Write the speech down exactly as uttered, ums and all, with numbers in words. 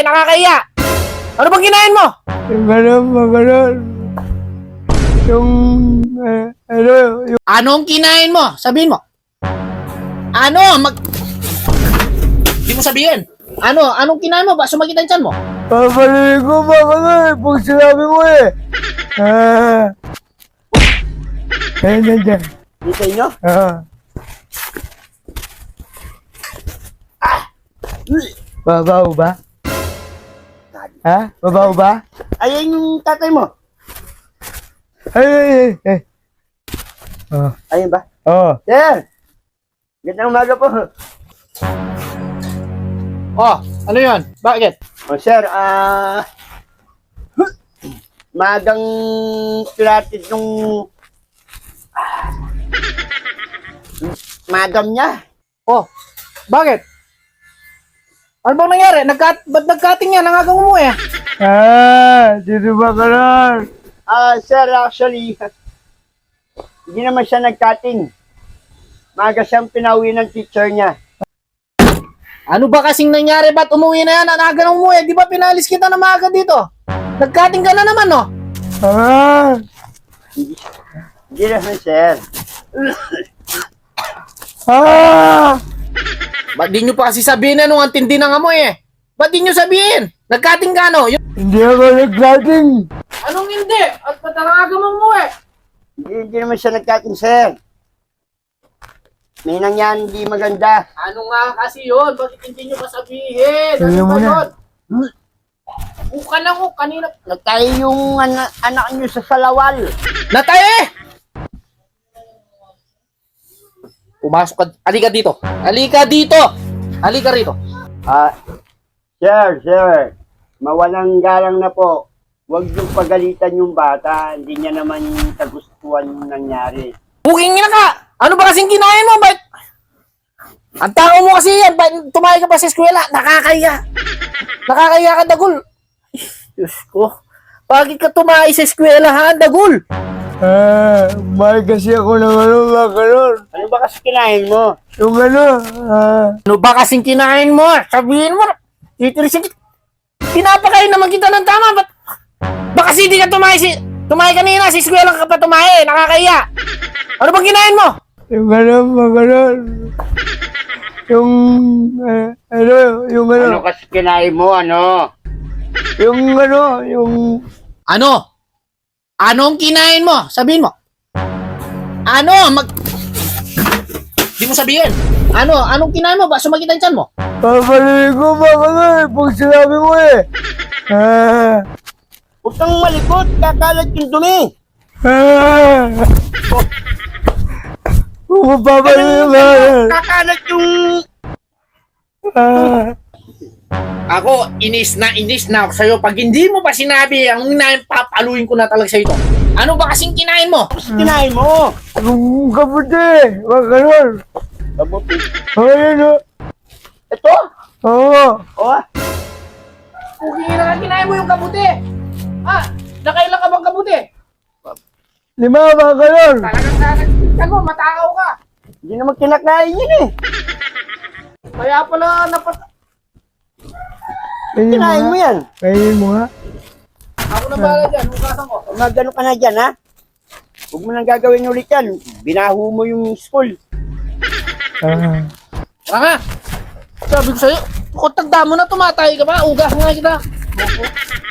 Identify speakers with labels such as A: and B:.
A: tumae, nakakaya. Ano bang kinain mo?
B: Yung gano'n, mga gano'n. Yung, eh, ano, yung...
A: Anong kinain mo? Sabihin mo. Ano? Mag... Hindi mo sabihin. Ano? Anong kinain mo? Ba sumakit ang tiyan mo?
B: Papalilig ko, mga gano'n, pag sinabi mo eh. Ah. Ayun na dyan.
C: Di sa inyo?
B: Ah. Babaw ba? Ha? Babaw ba?
C: Ayan yung tatay mo.
B: Ay, ay, ay, ay. Oh.
C: Ayun ba?
B: Oh.
C: Sir! Gandang umaga po.
A: Oh, ano yun? Bakit?
C: O sir, ah... magang pilates nung... ah, madam niya.
A: Oh, bakit? Ano bang nangyari? Nagkat ba't nagkating yan? Nangagang umuwi eh.
B: Ah, dito ba ka nun?
C: Ah, sir, actually, hindi naman siya nag-cutting. Maga siyang pinauwi ng teacher niya.
A: Ano ba kasing nangyari? Ba't umuwi na yan? Nangagang umuwi. Di ba pinalis kita na maaga dito? Nagkating ka na naman, no?
B: Ah,
C: Hindi naman, sir.
B: ah,
A: Ba't di nyo pa kasi sabihin na nung ang tindi ng amoy eh? Ba't di nyo sabihin? Nagkating ka, no? Yung...
B: hindi ako nag-cutting.
A: Anong hindi? At ba't nangagang umuwi?
C: Hindi, hindi naman siya nag-cutting, sir. May nangyari hindi maganda.
A: Ano nga kasi yun? Bakit hindi nyo pa sabihin?
B: Sabihin
A: Ano
B: mo
A: ba
B: na.
A: yun? Uka lang ko, kanina.
C: Nagtayo yung ana- anak niyo sa salawal.
A: Natay! Pumasok ka. Halika dito. Halika dito! Halika rito.
C: Ah, sir, sir. Mawalang galang na po. Huwag yung pagalitan yung bata. Hindi niya naman kagustuhan yung nangyari.
A: Booking na ka! Ano ba kasing kinain mo? Ba't? Ang tao mo kasi yan. Ba't tumayo ka pa sa eskwela? Nakakaya. Nakakaya ka, Dagul. Diyos ko. Bakit ka tumayo sa eskwela, ha, Dagul?
B: Ah, mahal kasi ako ng ano, mga gano'n.
C: Ano ba kasi kinain mo?
B: Yung ano, ah,
A: Ano ba kasing kinain mo? Sabihin mo. Titirisin kita. Pinapakain naman kita ng tama. Ba't? Baka kasi di ka tumayo si... Tumayo kanina. Sa eskwela ka pa tumayo. Nakakaya. Ano bang kinain mo?
B: yung ano, mga gano'n. Yung, eh, ano, yung ano,
C: Ano kasi kinain mo, ano?
B: yung ano, yung,
A: Ano? Anong kinain mo? Sabihin mo. Ano? Mag... Di mo sabihin. Ano? Anong kinain mo? Ba sumakit ang tiyan mo?
B: papalilig ko, mga gano'n, pag sinabi mo eh. Ah,
C: Huwag kang malikot. Kakalat yung dumi.
B: ah, kung mapapalilig mo,
C: Kakalat yung...
B: ah,
A: Ako, inis na inis na ako sa'yo. Pag hindi mo pa sinabi, ang kinain, papaluin ko na talaga sa'yo ito. Ano ba kasing kinain mo?
C: Kinain mo.
B: yung kaputi, mga gano'n.
C: Kabuti.
B: Oh, yun, oh.
C: Ito?
B: Oo.
C: Oh,
A: Pugi na ka, kinain mo yung kabuti. Ah, nakailan ka bang kabuti?
B: Lima, mga gano'n.
A: Talagang nakakita mo, matakaw ka.
C: hindi naman kinakain yun eh.
A: Kaya pala napat...
B: Kainin mo
C: Kinain mo
B: nga.
C: yan.
B: Kainin mo nga.
A: Ako na bala dyan, hukasan ko.
C: Magano ka na dyan, ha? Huwag mo nang gagawin ulit yan. Binaho mo yung school.
B: Ah.
A: Tara nga. Sabi ko sa'yo, kung tagda mo na tumatay ka ba, ugas nga kita.